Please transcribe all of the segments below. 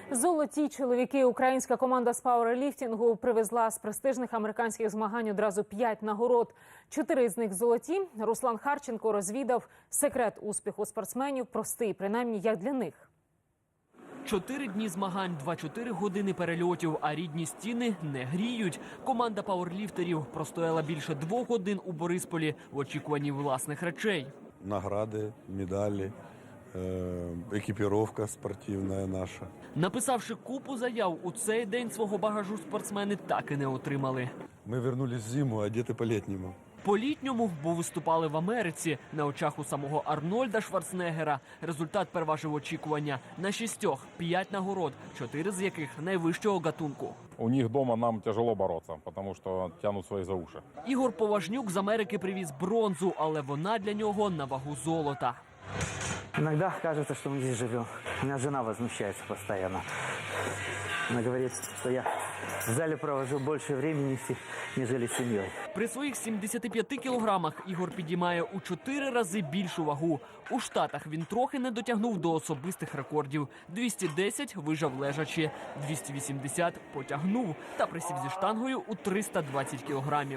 Золоті чоловіки. Українська команда з пауерліфтингу привезла з престижних американських змагань одразу 5 нагород. 4 з них золоті. Руслан Харченко розвідав секрет успіху спортсменів. Простий, принаймні, як для них. 4 дні змагань, 24 години перельотів, а рідні стіни не гріють. Команда пауерліфтерів простояла більше 2 годин у Борисполі в очікуванні власних речей. Награды, медали, экипировка спортивная наша. Написавши купу заяв, у цей день свого багажу спортсмени так і не отримали. Мы вернулись в зиму, одеты по-летнему. По-літньому, бо виступали в Америці, на очах у самого Арнольда Шварценеггера. Результат переважив очікування. На 6 – 5 нагород, 4 з яких найвищого гатунку. У них дома нам тяжело бороться, потому что тянут свои за уши. Ігор Поважнюк з Америки привіз бронзу, але вона для нього на вагу золота. Иногда кажется, что мы здесь живем. У меня жена возмущается постоянно. Она говорит, что я в зале провожу больше времени, нежели с семьей. При своїх 75 кілограмах Ігор підіймає у 4 рази більшу вагу. У Штатах він трохи не дотягнув до особистих рекордів. 210 вижав лежачи, 280 потягнув та присів зі штангою у 320 кілограмів.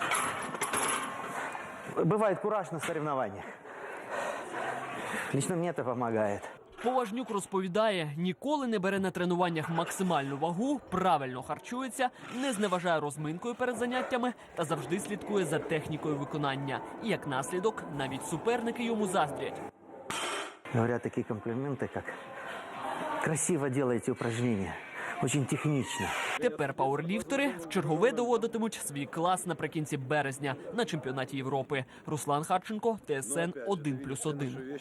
Бывает кураж на соревнованиях. Лично мне это помогает. Поважнюк розповідає, ніколи не бере на тренуваннях максимальну вагу, правильно харчується, не зневажає розминкою перед заняттями та завжди слідкує за технікою виконання. І як наслідок, навіть суперники йому заздрять. Говорят такие комплименты, как «красиво делаете упражнения». Очень технично. Тепер пауерліфтери вчергове доводитимуть свій клас наприкінці березня на чемпіонаті Європи. Руслан Харченко, ТСН 1+1.